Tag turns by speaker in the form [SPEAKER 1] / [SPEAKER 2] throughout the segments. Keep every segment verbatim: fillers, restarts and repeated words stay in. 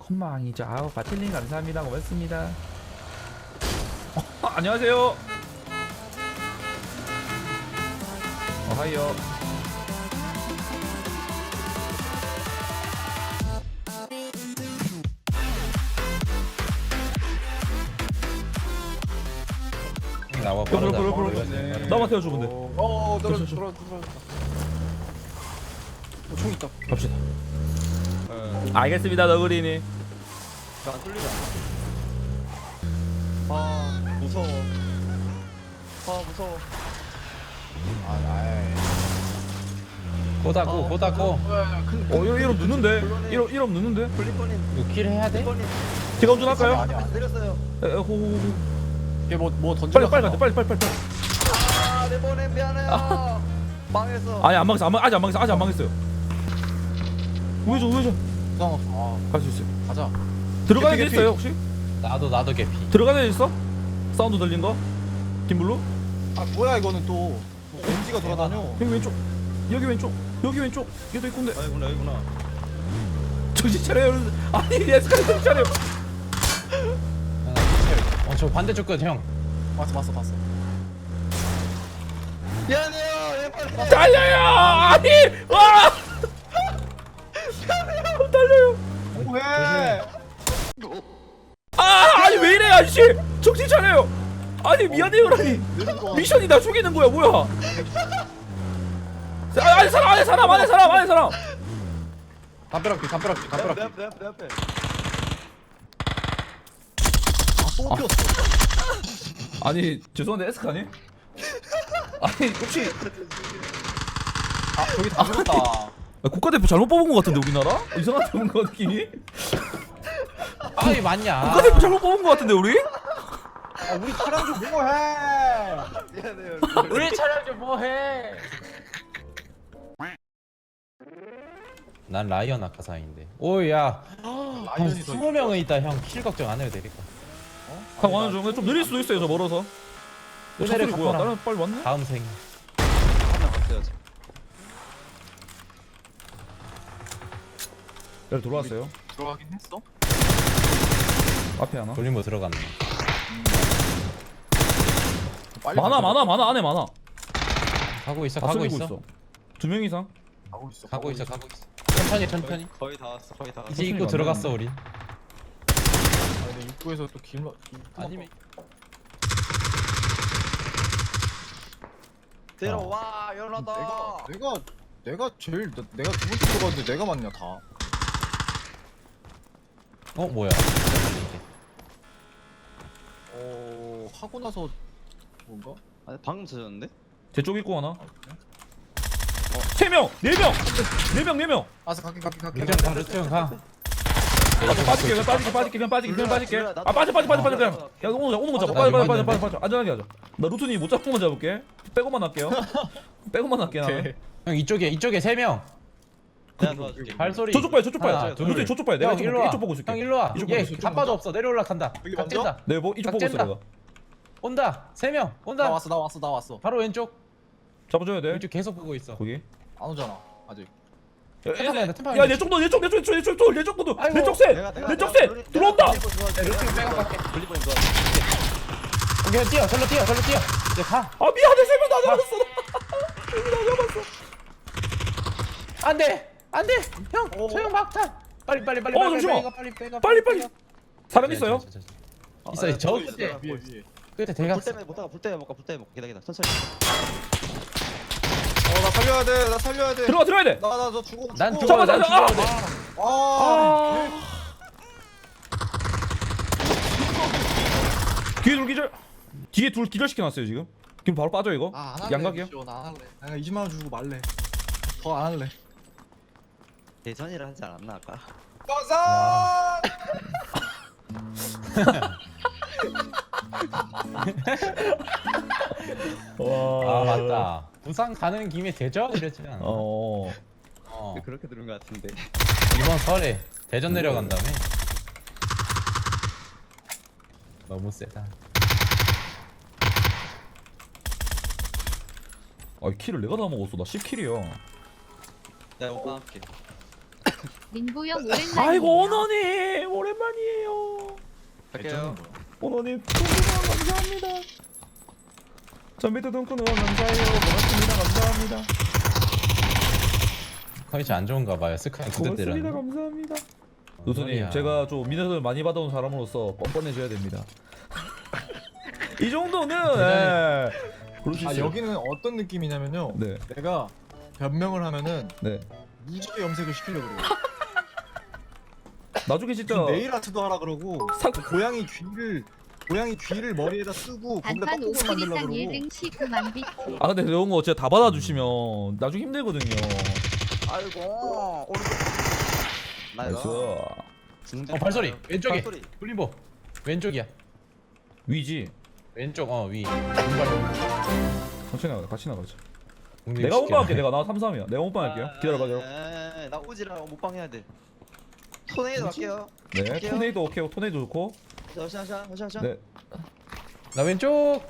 [SPEAKER 1] 헛망이죠. 아우 바틸님 감사합니다. 고맙습니다. 어, 안녕하세요. 어, 하이요.
[SPEAKER 2] 나와
[SPEAKER 1] 그럼,
[SPEAKER 2] 빠르다.
[SPEAKER 1] 그럼, 그럼,
[SPEAKER 2] 빠르다.
[SPEAKER 1] 그럼. 나만 태워줘 근데.
[SPEAKER 3] 어, 떨어져,
[SPEAKER 1] 그렇죠.
[SPEAKER 3] 떨어져, 떨어져. 어, 총 있다.
[SPEAKER 1] 갑시다.
[SPEAKER 3] 네.
[SPEAKER 1] 알겠습니다 너구리님.
[SPEAKER 3] 안 뚫리지 않아? 아, 무서워. 아, 무서워. 아, 나이.
[SPEAKER 2] 고다고 고다고.
[SPEAKER 1] 어 이러 이러 늦는데. 이러 이러 늦는데.
[SPEAKER 3] 블리퍼님,
[SPEAKER 2] 이거 킬 해야 돼?
[SPEAKER 3] 블리퍼님.
[SPEAKER 1] 제가 운전할까요?
[SPEAKER 3] 아니, 안 때렸어요.
[SPEAKER 1] 에, 에, 호, 호, 호.
[SPEAKER 3] 얘 뭐, 뭐 던져.
[SPEAKER 1] 빨리 빨리 가자. 빨리 빨리 빨리. 빨리.
[SPEAKER 3] 아, 내 번에 미안해요. 망했어.
[SPEAKER 1] 아니 안 망했어. 안 망, 아직 안 망했어. 아직 안 망했어요. 우회전 우회전.
[SPEAKER 3] 부상 없어. 아,
[SPEAKER 1] 갈 수 있어요.
[SPEAKER 3] 가자.
[SPEAKER 1] 들어가는 데
[SPEAKER 3] 개피,
[SPEAKER 1] 있어요 혹시?
[SPEAKER 2] 나도 나도 개피.
[SPEAKER 1] 들어가는 데 있어? 사운드 들린 거? 김블루?
[SPEAKER 3] 아, 뭐야 이거는 또. 벤지가 돌아다녀.
[SPEAKER 1] 여기 왼쪽. 여기 왼쪽. 여기 왼쪽. 얘도 있군데.
[SPEAKER 3] 아이구나, 아이구나.
[SPEAKER 1] 정신 차려요. 여러분. 아니 에스카레 정신 차려.
[SPEAKER 2] 어저 반대쪽 끝 형.
[SPEAKER 3] 봤어, 봤어, 봤어. 미안해요, 얘 빨리.
[SPEAKER 1] 달려요. 아니 와. 달려요.
[SPEAKER 3] 뭐해?
[SPEAKER 1] 아 아니 왜 이래 아저씨. 정신 차려요. 아니 미안해요라니. 미션이 나 죽이는 거야 뭐야? 아, 안에 사람 안에 사람 안에 사람 안에 사람.
[SPEAKER 3] 담벼락뒤, 담벼락뒤, 담벼락뒤. 내 앞에, 내 앞에, 내 앞에. 아, 또 꼈어.
[SPEAKER 1] 아니 죄송한데 에스카니? 아니 혹시
[SPEAKER 3] 아, 저기 다 죽었다.
[SPEAKER 1] 아, 국가대표 잘못 뽑은 것 같은데 우리나라? 이상하게 뽑은 것 느낌이?
[SPEAKER 2] 아이 맞냐?
[SPEAKER 1] 국가대표 잘못 뽑은 것 같은데 우리?
[SPEAKER 3] 아, 우리 차량 좀 뭐해? 미안해요.
[SPEAKER 2] 우리 차량 좀 뭐해? 난 라이언 아카사인데. 오야. 한
[SPEAKER 3] 라이언이 더
[SPEAKER 2] 스무 명은 있다 형. 킬 걱정 안 해도 되겠다.
[SPEAKER 1] 한 완전 좀, 좀 느릴 수도 있어요 저 멀어서. 저
[SPEAKER 2] 은혜를
[SPEAKER 1] 차소리 뭐야?
[SPEAKER 2] 갚아라.
[SPEAKER 1] 다른 빨리 왔네?
[SPEAKER 2] 다음 생.
[SPEAKER 3] 한명 갔어야지.
[SPEAKER 1] 네 돌아왔어요.
[SPEAKER 3] 들어가긴 했어?
[SPEAKER 1] 앞에 하나.
[SPEAKER 2] 돌림보 들어갔네.
[SPEAKER 3] 빨리
[SPEAKER 1] 많아
[SPEAKER 3] 가자.
[SPEAKER 1] 많아 많아 안에 많아.
[SPEAKER 2] 가고 있어
[SPEAKER 1] 다
[SPEAKER 2] 가고
[SPEAKER 1] 쏠리고
[SPEAKER 2] 있어.
[SPEAKER 1] 있어. 두 명 이상.
[SPEAKER 3] 가고 있어.
[SPEAKER 2] 가고 있어 가고 있어. 천천히 천천히.
[SPEAKER 3] 거의 다 왔어. 거의 다 왔어.
[SPEAKER 2] 이제 입구
[SPEAKER 1] 천천히
[SPEAKER 2] 들어갔어 우리.
[SPEAKER 3] 아, 근데 입구에서 또 길러.
[SPEAKER 2] 아니면
[SPEAKER 3] 들어와 연하다. 내가 내가 내가 제일 나- 내가 두 번째 들어갔는데 내가 맞냐 다.
[SPEAKER 2] 어 뭐야?
[SPEAKER 3] 어 하고 나서 뭔가?
[SPEAKER 4] 아니 방금 찾았는데?
[SPEAKER 1] 제 쪽 있고 하나.
[SPEAKER 3] 아, 그래?
[SPEAKER 1] 세 명, 네 명, 네 명, 네 명.
[SPEAKER 3] 아서 갈게 갈게 갈게.
[SPEAKER 2] 루트 형 가 루트 형 가.
[SPEAKER 1] 아, 빠질게, 그냥 빠질게, 빠질게, 그냥 빠질게, 그냥 빠질게. 아 빠져, 빠져, 빠져, 빠져, 그냥. 야 오는 거, 오는 거 잡아. 빠져, 빠져, 빠져, 빠져, 빠져. 안전하게 하자. 나 루트님 못 잡은 것만 잡을게. 빼고만 할게요. 빼고만 할게 나는.
[SPEAKER 3] 오케이.
[SPEAKER 2] 형 이쪽에 이쪽에 세 명.
[SPEAKER 4] 내가 도와줄게.
[SPEAKER 2] 발소리.
[SPEAKER 1] 저쪽 봐요, 저쪽 봐요.
[SPEAKER 2] 하나, 둘.
[SPEAKER 1] 루트님 저쪽 봐요. 내가
[SPEAKER 2] 형
[SPEAKER 1] 지금
[SPEAKER 2] 일로 와.
[SPEAKER 1] 이쪽 보고 있을게.
[SPEAKER 2] 형 일로 와.
[SPEAKER 1] 이쪽 보고
[SPEAKER 2] 얘
[SPEAKER 1] 있어, 이쪽
[SPEAKER 2] 갑바도 없어. 내려 올라간다.
[SPEAKER 3] 여기
[SPEAKER 2] 각
[SPEAKER 3] 먼저?
[SPEAKER 2] 찐다.
[SPEAKER 1] 네, 뭐 이쪽 보고 있어
[SPEAKER 2] 각
[SPEAKER 1] 내가.
[SPEAKER 2] 온다. 세 명.
[SPEAKER 3] 나
[SPEAKER 2] 온다.
[SPEAKER 3] 왔어 나 왔어 나 왔어.
[SPEAKER 2] 바로 왼쪽.
[SPEAKER 1] 잡아줘야 돼.
[SPEAKER 2] 왼쪽 계속 보고 있어.
[SPEAKER 1] 거기.
[SPEAKER 3] 안 오잖아 아직.
[SPEAKER 2] 템파면 돼, 템파면
[SPEAKER 1] 야,
[SPEAKER 2] 돼.
[SPEAKER 1] 내 쪽도, 내 쪽, 내 쪽, 내 쪽, 내 쪽, 내 쪽, 내 쪽도,
[SPEAKER 2] 아이고.
[SPEAKER 1] 내 쪽 세,
[SPEAKER 4] 내가 내가
[SPEAKER 1] 내 쪽
[SPEAKER 4] 내가
[SPEAKER 1] 세,
[SPEAKER 4] 블리-
[SPEAKER 1] 들어온다.
[SPEAKER 4] 내가 블리본 도와줄게.
[SPEAKER 2] 네, 루트 백업 갈게.
[SPEAKER 4] 블리본이 도와줄게.
[SPEAKER 2] 오케이 뛰어. 절로 뛰어. 절로 뛰어. 이제 가.
[SPEAKER 1] 아 미안해, 세명 다 잡았어. 세명 다 잡았어.
[SPEAKER 2] 안 돼. 안 돼. 형.
[SPEAKER 3] 오.
[SPEAKER 2] 소형 막탄. 빨리 빨리 빨리
[SPEAKER 1] 어,
[SPEAKER 2] 빨리
[SPEAKER 1] 잠시만.
[SPEAKER 2] 빨리 빨리 빨리
[SPEAKER 1] 빨리 빨리.
[SPEAKER 2] 빨리.
[SPEAKER 1] 사람
[SPEAKER 2] 네,
[SPEAKER 1] 있어요?
[SPEAKER 2] 저, 저, 저, 저.
[SPEAKER 4] 어,
[SPEAKER 2] 있어요.
[SPEAKER 4] 아,
[SPEAKER 2] 저
[SPEAKER 4] 보고 있어,
[SPEAKER 2] 끝에.
[SPEAKER 4] 내가
[SPEAKER 3] 위에
[SPEAKER 4] 보고 있어.
[SPEAKER 3] 위에.
[SPEAKER 2] 끝에
[SPEAKER 4] 불
[SPEAKER 2] 대각.
[SPEAKER 4] 때문에 못 가가 불 때문에 못 가. 불 때문에 못 가. 기다 기다. 천천히.
[SPEAKER 3] 어나 살려야 돼. 나 살려야 돼.
[SPEAKER 1] 들어가, 들어야 돼.
[SPEAKER 3] 나나 저 죽어.
[SPEAKER 2] 난
[SPEAKER 3] 죽어.
[SPEAKER 2] 죽어.
[SPEAKER 1] 잡아,
[SPEAKER 2] 난
[SPEAKER 1] 잡아.
[SPEAKER 2] 죽어야 돼.
[SPEAKER 3] 아.
[SPEAKER 1] 아. 뒤에 둘 기절. 뒤에 둘 기절 시켜놨어요 지금. 지금 바로 빠져 이거.
[SPEAKER 3] 아, 안 할래.
[SPEAKER 1] 양각이요?
[SPEAKER 3] 미션, 안 할래. 내가 이십만 원 주고 말래. 더 안 할래.
[SPEAKER 4] 대전이라 하지 않았나 아까?
[SPEAKER 3] 가자.
[SPEAKER 1] 와.
[SPEAKER 2] 아 맞다. 부산 가는 김에 대전 이랬지 않아?
[SPEAKER 1] 어.
[SPEAKER 2] 어.
[SPEAKER 4] 그렇게 들은 것 같은데.
[SPEAKER 2] 이번 설에 대전 내려간 다음에 너무 세다.
[SPEAKER 1] 아 킬을 내가 다 먹었어. 나 십 킬이야.
[SPEAKER 4] 내가 오빠 할게.
[SPEAKER 5] 민보영 오랜만이에요.
[SPEAKER 1] 아이고 오너님 오랜만이에요.
[SPEAKER 4] 갈게요.
[SPEAKER 1] 오너님 동크노 감사합니다. 전비트 동크노 감사해요. 고맙습니다. 감사합니다.
[SPEAKER 6] 컨디션 안 좋은가 봐요. 스카이 두대
[SPEAKER 1] 고맙습니다.
[SPEAKER 6] 때렸네.
[SPEAKER 1] 감사합니다.
[SPEAKER 6] 뭔
[SPEAKER 1] 누수님
[SPEAKER 6] 소리야.
[SPEAKER 1] 제가 좀 민원을 많이 받아온 사람으로서 뻔뻔해져야 됩니다. 이 정도는 예. 그럴 수
[SPEAKER 3] 아
[SPEAKER 1] 있어요.
[SPEAKER 3] 여기는 어떤 느낌이냐면요.
[SPEAKER 1] 네.
[SPEAKER 3] 내가 변명을 하면은
[SPEAKER 1] 네.
[SPEAKER 3] 무지개 염색을 시키려고 그래요.
[SPEAKER 1] 나중에 진짜
[SPEAKER 3] 네일 아트도 하라 그러고
[SPEAKER 1] 사-
[SPEAKER 3] 그 고양이 귀를 고양이 귀를 머리에다 쓰고 거기다
[SPEAKER 5] 단판
[SPEAKER 3] 떡국을
[SPEAKER 5] 오십이
[SPEAKER 3] 만들려고
[SPEAKER 5] 상
[SPEAKER 3] 그러고.
[SPEAKER 5] 일 등 십구만 비트.
[SPEAKER 1] 아 근데 이런 거 진짜 다 받아주시면 나중에 힘들거든요.
[SPEAKER 4] 아이고 오른쪽.
[SPEAKER 1] 나이스.
[SPEAKER 4] 나이스.
[SPEAKER 6] 어 발소리 왼쪽에.
[SPEAKER 4] 발소리.
[SPEAKER 6] 훌림보 왼쪽이야.
[SPEAKER 1] 위지.
[SPEAKER 6] 왼쪽 어 위. 왼발.
[SPEAKER 1] 천천히 나가. 같이 나가자.
[SPEAKER 6] 공격
[SPEAKER 1] 내가
[SPEAKER 6] 쉽게
[SPEAKER 1] 못방 할게.
[SPEAKER 6] 나네.
[SPEAKER 1] 내가 나 삼 삼이야. 내가 못방 할게요. 기다려봐. 기다려.
[SPEAKER 4] 아, 나 오지라 못방 해야 돼. 토네이도 할게요.
[SPEAKER 1] 네.
[SPEAKER 4] 할게요.
[SPEAKER 1] 토네이도 오케이. 토네이도 좋고.
[SPEAKER 4] 자, 자, 자, 자, 자.
[SPEAKER 1] 네.
[SPEAKER 6] 나 왼쪽.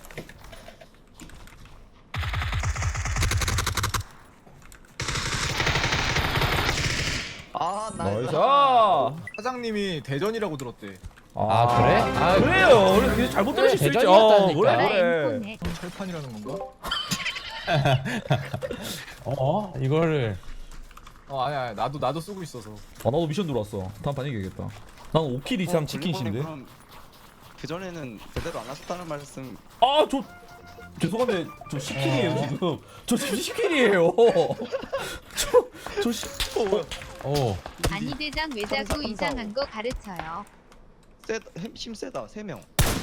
[SPEAKER 4] 아, 나이스.
[SPEAKER 1] 나이스. 아,
[SPEAKER 3] 사장님이 대전이라고 들었대.
[SPEAKER 6] 아 그래? 아
[SPEAKER 1] 그래요. 우리 그냥 잘못
[SPEAKER 6] 그래,
[SPEAKER 1] 들으실 수 있죠.
[SPEAKER 6] 대전이었다니까.
[SPEAKER 1] 그래
[SPEAKER 5] 나라
[SPEAKER 1] 그래.
[SPEAKER 5] 엠폰에
[SPEAKER 3] 철판이라는 건가?
[SPEAKER 6] 어 이거를
[SPEAKER 3] 어 아니 아니 나도 나도 쓰고 있어서.
[SPEAKER 1] 아 나도 미션 들어왔어. 다음 판 이겨야겠다. 난 오 킬 이상 치킨신데.
[SPEAKER 4] 그 전에는 제대로 안 하셨다는 말씀.
[SPEAKER 1] 아 저 죄송한데 저 십 킬이에요 지금. 저 지금 십 킬이에요. 저저 십.
[SPEAKER 6] 오
[SPEAKER 5] 아니 대장 왜 자꾸
[SPEAKER 4] 삼사,
[SPEAKER 5] 이상한 거 가르쳐요.
[SPEAKER 4] 세, 힘 세다. 세 명.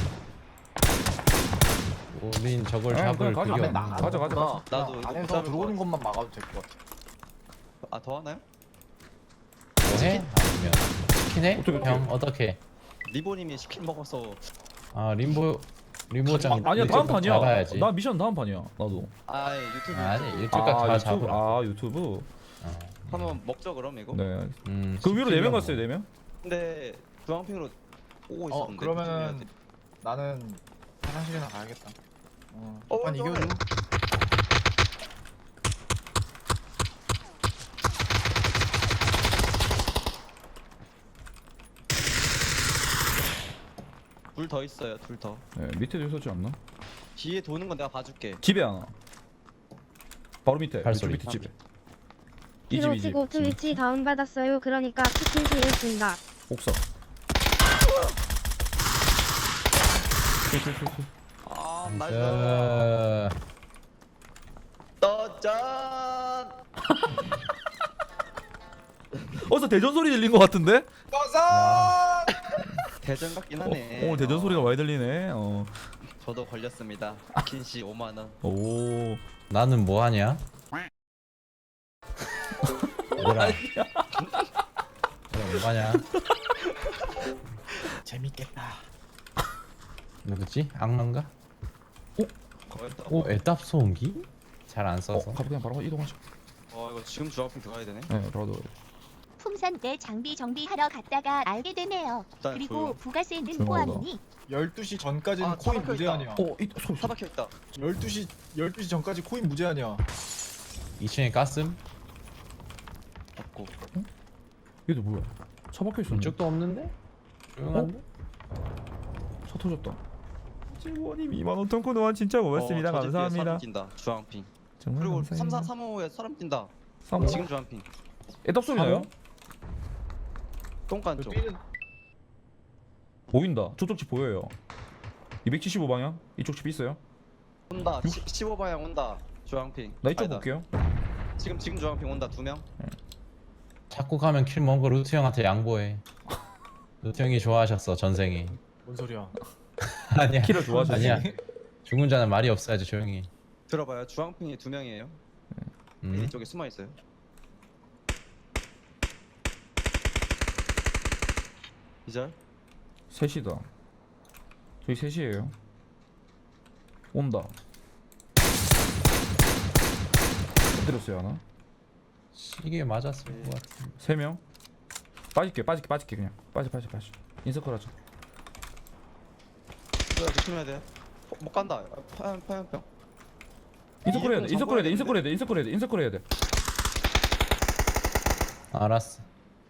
[SPEAKER 6] 우린 저걸
[SPEAKER 1] 아,
[SPEAKER 6] 잡을
[SPEAKER 1] 그냥 가자.
[SPEAKER 6] 그게
[SPEAKER 1] 나-
[SPEAKER 6] 없는
[SPEAKER 1] 가자,
[SPEAKER 6] 거.
[SPEAKER 1] 가자.
[SPEAKER 3] 나도
[SPEAKER 4] 나도 이거 못
[SPEAKER 3] 안에서
[SPEAKER 4] 잡을
[SPEAKER 3] 들어오는
[SPEAKER 4] 것
[SPEAKER 3] 것만 막아도 될 것 같아.
[SPEAKER 4] 아, 더 하나요?
[SPEAKER 6] 뭐해? 아니면 치킨해?
[SPEAKER 1] 어떻게, 어떻게?
[SPEAKER 6] 형 어떻게?
[SPEAKER 4] 리보님이 치킨 먹어서.
[SPEAKER 6] 아 림보 림보장
[SPEAKER 1] 아, 아니야 다음 판이야.
[SPEAKER 6] 잡아야지.
[SPEAKER 1] 나 미션 다음 판이야. 나도.
[SPEAKER 4] 아, 유튜브.
[SPEAKER 6] 아니
[SPEAKER 4] 유튜브.
[SPEAKER 6] 일주일까지 다
[SPEAKER 1] 유튜브.
[SPEAKER 6] 잡으라.
[SPEAKER 1] 아 유튜브.
[SPEAKER 6] 어.
[SPEAKER 4] 한번 먹죠 그럼 이거.
[SPEAKER 1] 네.
[SPEAKER 6] 음,
[SPEAKER 1] 그 위로 네 명
[SPEAKER 6] 뭐.
[SPEAKER 1] 갔어요 네 명?
[SPEAKER 4] 근데 주황핑으로 오고
[SPEAKER 3] 어
[SPEAKER 4] 있었는데.
[SPEAKER 3] 그러면은 나는 화장실이나 가야겠다. 어,
[SPEAKER 4] 어,
[SPEAKER 3] 판
[SPEAKER 4] 좋아요.
[SPEAKER 3] 이겨줘.
[SPEAKER 4] 둘더 있어요. 둘 더.
[SPEAKER 1] 네 밑에도 있었지 않나?
[SPEAKER 4] 뒤에 도는 건 내가 봐줄게.
[SPEAKER 1] 집에 하나. 바로 밑에.
[SPEAKER 6] 발소리.
[SPEAKER 1] 밑에 집에. 이 집
[SPEAKER 7] 히로
[SPEAKER 1] 이 집.
[SPEAKER 7] 치고 트위치 다운받았어요. 그러니까 치킨 드렸습니다.
[SPEAKER 1] 옥상.
[SPEAKER 4] 아, 나이스.
[SPEAKER 6] 어,
[SPEAKER 4] 떠짠.
[SPEAKER 1] 어디서 대전 소리 들린 것 같은데?
[SPEAKER 4] 대전 같긴
[SPEAKER 1] 어,
[SPEAKER 4] 하네.
[SPEAKER 1] 오늘 대전
[SPEAKER 4] 어,
[SPEAKER 1] 소리가 많이 들리네. 어.
[SPEAKER 4] 저도 걸렸습니다. 긴씨 오만 원.
[SPEAKER 1] 오.
[SPEAKER 6] 나는 뭐 하냐? 얘들아. 그럼 뭐 하냐?
[SPEAKER 3] 재밌겠다.
[SPEAKER 6] 누구지? 악마인가?
[SPEAKER 4] 거였다.
[SPEAKER 6] 오 애답 소음기? 잘 안
[SPEAKER 1] 어,
[SPEAKER 6] 써서.
[SPEAKER 1] 가보 그냥 바로 이동하자.
[SPEAKER 4] 어, 이거 지금 주황핑 들어가야 되네.
[SPEAKER 1] 네, 바로 들어가자.
[SPEAKER 8] 풍산 때 장비 정비하러 갔다가 알게 되네요.
[SPEAKER 4] 일단
[SPEAKER 8] 그리고
[SPEAKER 4] 조용.
[SPEAKER 8] 부가세는
[SPEAKER 1] 조용하다.
[SPEAKER 8] 포함이니
[SPEAKER 3] 열두 시 전까지는
[SPEAKER 4] 아,
[SPEAKER 3] 코인
[SPEAKER 4] 차박혀
[SPEAKER 3] 무제한이야.
[SPEAKER 1] 어, 이 소리.
[SPEAKER 4] 차 박혀 있다.
[SPEAKER 3] 열두 시 열두 시 전까지 코인 무제한이야.
[SPEAKER 6] 이 층에 가슴?
[SPEAKER 4] 없고.
[SPEAKER 1] 얘도 뭐야? 차 박혀 있었네.
[SPEAKER 6] 이쪽도 없는데? 조용한데?
[SPEAKER 1] 차 터졌다. 지원님 이만 원 통코 노한 진짜 고맙습니다.
[SPEAKER 4] 어, 저 집 뒤에
[SPEAKER 1] 감사합니다.
[SPEAKER 4] 사람 뛴다. 주황핑.
[SPEAKER 1] 정말
[SPEAKER 4] 그리고
[SPEAKER 1] 감사합니다.
[SPEAKER 4] 삼 사 삼오에 사람 뛴다.
[SPEAKER 1] 삼
[SPEAKER 4] 지금 주황핑.
[SPEAKER 1] 애답 소리 나요?
[SPEAKER 4] 똥간 쪽.
[SPEAKER 3] 삐는
[SPEAKER 1] 보인다. 저쪽 집 보여요. 이백칠십오 방향. 이쪽 집 있어요.
[SPEAKER 4] 온다. 십오 방향 온다. 주황핑.
[SPEAKER 1] 나 이쪽
[SPEAKER 4] 아니다.
[SPEAKER 1] 볼게요.
[SPEAKER 4] 지금 지금 주황핑 온다. 두 명.
[SPEAKER 6] 자꾸 가면 킬 먹은 거 루트 형한테 양보해. 루트 형이 좋아하셨어 전생에.
[SPEAKER 3] 뭔 소리야?
[SPEAKER 6] 아니야.
[SPEAKER 1] 키를 좋아하시지.
[SPEAKER 6] 아니야. 죽은 자는 말이 없어야지 조용히.
[SPEAKER 4] 들어봐요. 주황핑이 두 명이에요.
[SPEAKER 6] 음.
[SPEAKER 4] 이쪽에 숨어 있어요. 이절.
[SPEAKER 1] 셋이다. 저희 셋이에요. 온다. 엎드렸어요 하나.
[SPEAKER 6] 시계 맞았을 것 같은.
[SPEAKER 1] 세 명. 빠질게 빠질게 빠질게 그냥. 빠져 빠져 빠져. 인서클 하자.
[SPEAKER 4] 이거 조심해야 돼. 어, 못 간다. 파연 파연병.
[SPEAKER 1] 인서클 해야 돼.
[SPEAKER 4] 이름은
[SPEAKER 1] 인서클 해야 돼.
[SPEAKER 4] 적어야
[SPEAKER 1] 인서클 해야 돼. 인서클 해야 돼. 인서클 해야 돼.
[SPEAKER 6] 알았어.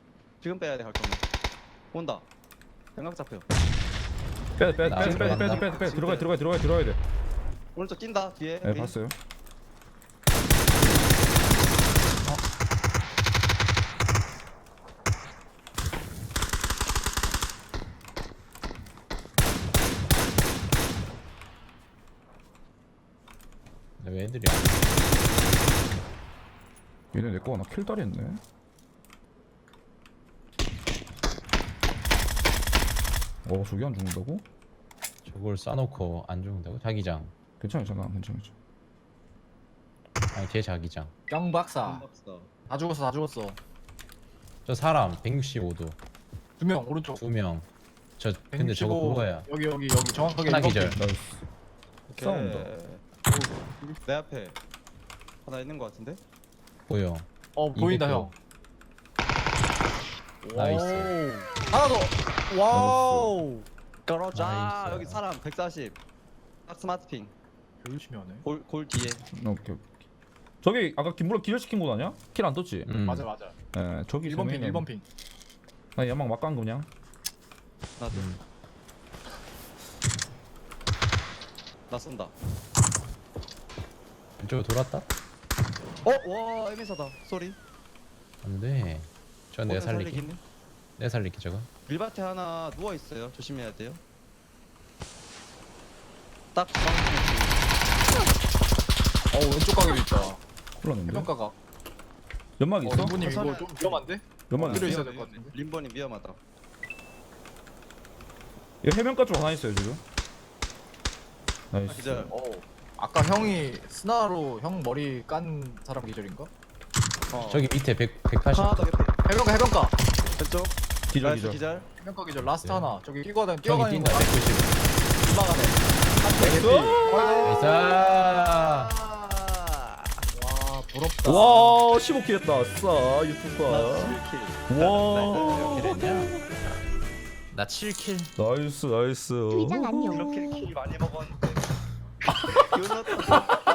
[SPEAKER 4] 지금 빼야 돼갈 거면. 온다. 생각 잡혀.
[SPEAKER 1] 빼야 돼 빼야 돼
[SPEAKER 6] 나
[SPEAKER 1] 빼야 돼 빼야 돼
[SPEAKER 6] 들어간다.
[SPEAKER 1] 빼야 돼 빼야 돼 빼야 돼 들어가야 들어가야 들어가야 들어가야 돼.
[SPEAKER 4] 오른쪽 뛴다 뒤에.
[SPEAKER 1] 네
[SPEAKER 4] 우리.
[SPEAKER 1] 봤어요.
[SPEAKER 6] 왜 애들이 안
[SPEAKER 1] 얘네 내 거 하나 킬다리 했네. 어 저기 안 죽는다고?
[SPEAKER 6] 저걸 쏴놓고 안 죽는다고? 자기장.
[SPEAKER 1] 괜찮아 괜찮아 괜찮아 괜찮아.
[SPEAKER 6] 아니 제 자기장.
[SPEAKER 3] 영 박사.
[SPEAKER 4] 없어.
[SPEAKER 3] 다 죽었어 다 죽었어.
[SPEAKER 6] 저 사람 백육십오 도
[SPEAKER 3] 두 명 오른쪽.
[SPEAKER 6] 두 명. 저 근데 저거
[SPEAKER 3] 백육십오.
[SPEAKER 6] 그거야.
[SPEAKER 3] 여기 여기 여기 정확하게
[SPEAKER 6] 하나
[SPEAKER 3] 일번
[SPEAKER 6] 기절.
[SPEAKER 3] 핑.
[SPEAKER 1] 나이스.
[SPEAKER 4] 오케이.
[SPEAKER 1] 싸운다.
[SPEAKER 4] 내 앞에 하나 있는 거 같은데?
[SPEAKER 6] 보여.
[SPEAKER 3] 어 보인다 형.
[SPEAKER 6] 나이스.
[SPEAKER 3] 오. 하나 더. 와우.
[SPEAKER 4] 떨어져.
[SPEAKER 6] 나이스.
[SPEAKER 4] 여기 사람 백사십. 딱 스마트 핑.
[SPEAKER 3] 열심히 하네.
[SPEAKER 4] 골, 골 뒤에.
[SPEAKER 1] 오케이 오케이. 저기 아까 김물로 기절 시킨 곳 아니야? 킬 안 떴지?
[SPEAKER 6] 음.
[SPEAKER 3] 맞아 맞아.
[SPEAKER 1] 예 저기
[SPEAKER 3] 일 번 핑
[SPEAKER 1] 정면에-
[SPEAKER 3] 일 번 핑.
[SPEAKER 1] 나 연막 막 간 그냥.
[SPEAKER 4] 나도.
[SPEAKER 6] 음.
[SPEAKER 4] 나 쏜다.
[SPEAKER 6] 왼쪽으로 돌았다?
[SPEAKER 4] 어? 와 에미사다. 소리.
[SPEAKER 6] 안돼. 저 내가
[SPEAKER 4] 오늘
[SPEAKER 6] 살리기.
[SPEAKER 4] 살리겠네?
[SPEAKER 6] 내가 살리기 저거.
[SPEAKER 4] 밀밭에 하나 누워 있어요. 조심해야 돼요. 딱 중앙에
[SPEAKER 3] 어 왼쪽 가게도 있다.
[SPEAKER 1] 큰일 났는데.
[SPEAKER 3] 해변가가.
[SPEAKER 1] 연막
[SPEAKER 3] 어
[SPEAKER 1] 있어?
[SPEAKER 3] 림보님 이거
[SPEAKER 4] 선선해.
[SPEAKER 3] 좀 위험한데?
[SPEAKER 1] 연막
[SPEAKER 3] 필요
[SPEAKER 1] 있어?
[SPEAKER 3] 있어야 될 것 같은데.
[SPEAKER 4] 림버님 위험하다.
[SPEAKER 1] 얘 해변가 쪽 하나 있어요 지금.
[SPEAKER 4] 아,
[SPEAKER 1] 나이스.
[SPEAKER 4] 기절.
[SPEAKER 3] 어. 아까 형이 스나로 형 머리 깐 사람 기절인가?
[SPEAKER 4] 어.
[SPEAKER 6] 저기 밑에 백, 백팔십.
[SPEAKER 4] 하나 더 개피.
[SPEAKER 3] 해변가 해변가.
[SPEAKER 4] 왼쪽.
[SPEAKER 1] 기절
[SPEAKER 4] 나이스
[SPEAKER 1] 기절.
[SPEAKER 4] 기절.
[SPEAKER 3] 해변가 기절 라스트
[SPEAKER 6] 네.
[SPEAKER 3] 하나. 저기 뛰어가다
[SPEAKER 6] 저기
[SPEAKER 3] 뛰어가는
[SPEAKER 6] 뛴다.
[SPEAKER 3] 거
[SPEAKER 6] 백구십.
[SPEAKER 3] 지나가네.
[SPEAKER 1] 나이스.
[SPEAKER 6] 나이스.
[SPEAKER 4] 아.
[SPEAKER 3] 와 부럽다.
[SPEAKER 1] 와 십오 킬 했다. 싸
[SPEAKER 4] 나
[SPEAKER 1] 유튜버.
[SPEAKER 4] 칠 킬.
[SPEAKER 1] 와.
[SPEAKER 6] 이렇게 됐냐? 나 칠 킬.
[SPEAKER 1] 나이스 나이스.
[SPEAKER 8] 트위장 안녕.
[SPEAKER 4] 이렇게 킬 많이 먹었는데. 기분 좋다.